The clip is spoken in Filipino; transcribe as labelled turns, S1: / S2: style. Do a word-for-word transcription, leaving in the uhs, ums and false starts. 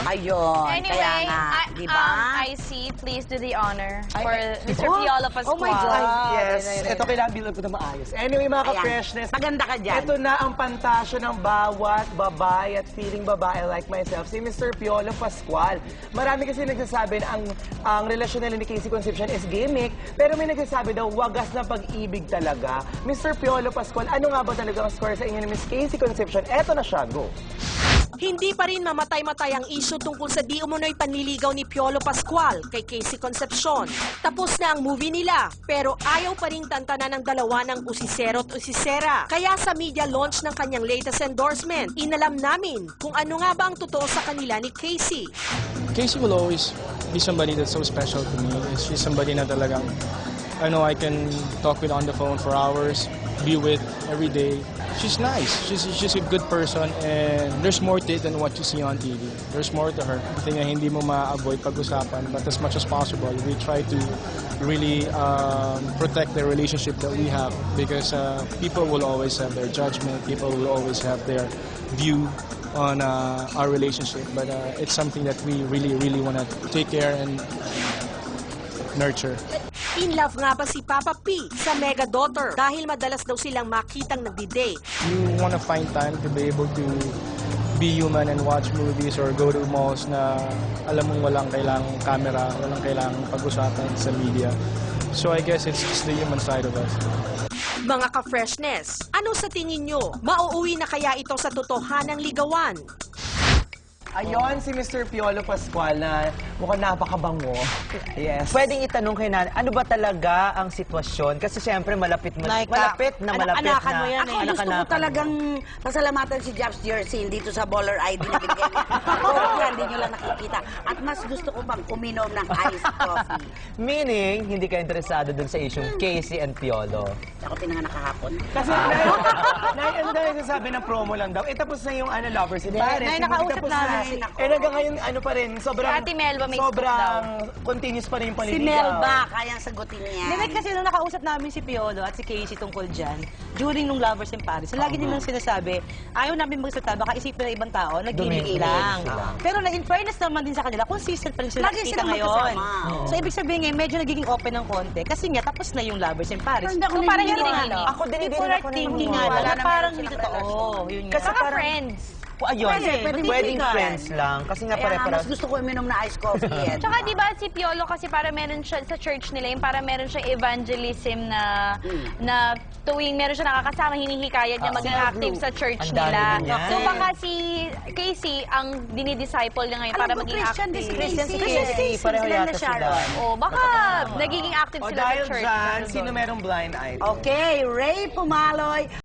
S1: Ayun,
S2: Anyway,
S1: kaya nga,
S2: I,
S1: di ba?
S2: um, I see, please do the honor for
S3: Ay,
S2: Mister
S1: oh,
S2: Piolo Pascual.
S1: oh my God.
S3: Yes,
S1: Ayun, ayun,
S3: ito kailangan bilang ko na maayos. Anyway, mga
S1: Ayan.
S3: ka-freshness,
S1: Maganda ka dyan.
S3: ito na ang pantasyo ng bawat babae at feeling babae like myself, si Mister Piolo Pascual. Marami kasi nagsasabi na ang, ang relasyon nila ni Casey Concepcion is gimmick, pero may nagsasabi daw, wagas na pag-ibig talaga. Mister Piolo Pascual, ano nga ba talaga ang score sa inyo ni Miss Casey Concepcion? Eto na siya, go!
S4: Hindi pa rin mamatay-matay ang issue tungkol sa di umunoy panliligaw ni Piolo Pascual kay Casey Concepcion. Tapos na ang movie nila, pero ayaw pa rin tantanan ng dalawa ng usisero at usisera. Kaya sa media launch ng kanyang latest endorsement, inalam namin kung ano nga ba ang totoo sa kanila ni Casey.
S5: Casey will always be somebody that's so special to me. She's somebody na talagang, I know I can talk with on the phone for hours, be with every day. She's nice. She's, she's a good person and there's more to it than what you see on T V. There's more to her. Ito nga, hindi mo ma-avoid pag-usapan, but as much as possible, we try to really um, protect the relationship that we have because uh, people will always have their judgment, people will always have their view on uh, our relationship, but uh, it's something that we really, really want to take care and nurture.
S4: In love nga ba si Papa P sa mega daughter dahil madalas daw silang makitang nagdi-date.
S5: You want to find time to be able to be human and watch movies or go to malls na alam mong walang kailangang camera, walang kailangang pag-usapan sa media. So I guess it's just the human side of us.
S4: Mga ka-freshness, ano sa tingin nyo? Mauuwi na kaya ito sa totohanang ligawan?
S3: Ayon si Mister Piolo Pascual na mukhang napakabango. Yes.
S6: Pwedeng itanong kay Nan, ano ba talaga ang sitwasyon? Kasi siyempre malapit mo,
S1: Like,
S6: malapit na
S1: anak-
S6: malapit
S1: anakan
S6: na.
S1: mo yan eh. Ako gusto ko
S6: anak-anakan mo.
S1: talagang pasalamatan si Jobs Jersin dito sa Baller I D na bigyan niya. Oo, hindi nyo lang nakikita. At mas gusto ko pang uminom ng iced coffee.
S6: Meaning, hindi ka interesado dun sa issue Casey and Piolo.
S1: Ako pinanganak kahapon.
S3: Kasi, Nay, Nay, ano dahil sasabi ng promo lang daw, eh tapos na yung ano, Lovers in Paris.
S1: Nay,
S3: Hindi
S1: nakausap
S3: tapos
S1: namin.
S3: na. Eh hanggang ngayon, ano pa rin, sobrang,
S2: Si Ate Melba may
S3: sobrang continuous pa rin yung
S1: Si
S3: panliligaw.
S1: Melba, kayang sagutin niya.
S7: Hindi, kasi nung nakausap namin si Piolo at si Casey tungkol dyan, during nung Lovers in Paris, lagi nilang sinasabi, ayaw namin magsalita, baka isipin ng ibang tao, nag-gimmick
S1: Dumigil
S7: lang.
S1: sila.
S7: Pero na, in fairness naman din sa kanila, consistent pa rin sila
S1: Lagi
S7: nakikita
S1: silang
S7: ngayon.
S1: magkasama.
S7: So, ibig sabihin ngayon, medyo nagiging open ng konti. Kasi nga, tapos na yung Lovers in Paris.
S1: Pero hindi ako
S7: So, parang
S1: naniniwala.
S7: hindi nagiging.
S6: Ako din, hindi
S7: Before
S6: rin
S7: our
S6: ako
S7: thinking nga,
S6: naniniwala
S7: na
S1: na
S7: parang
S1: meron
S7: hindi
S1: silang
S7: totoo.
S1: relasyon.
S7: Yun nga.
S6: Kasi
S2: Mga
S6: parang-
S2: friends.
S6: Ayun,
S1: Pwede, pwedeng
S6: pwedeng
S1: kaibigan.
S6: friends lang. Kasi nga
S1: Kaya nga,
S6: pare-paras.
S1: mas gusto ko uminom na iced coffee. eh.
S2: Tsaka di ba si Piolo kasi para meron siya sa church nila, yung para meron siyang evangelism na na tuwing meron siya nakakasama, hinihikayat niya maging active sa church
S6: Ang dami
S2: nila.
S6: niya.
S2: So baka si Casey ang dinidisciple niya ngayon para
S1: Alam mo,
S2: maging
S1: Christian,
S2: active.
S1: this
S6: Christian si
S1: Christian,
S6: Casey, pareho
S1: sila
S6: yata
S1: na Sharon.
S6: sila.
S2: Oh, baka nagiging active
S3: O
S2: sila sa
S3: dahil
S2: church.
S3: dyan,
S2: Ganun
S3: sino
S2: doon.
S3: merong blind item?
S1: Okay, Ray Pumaloy.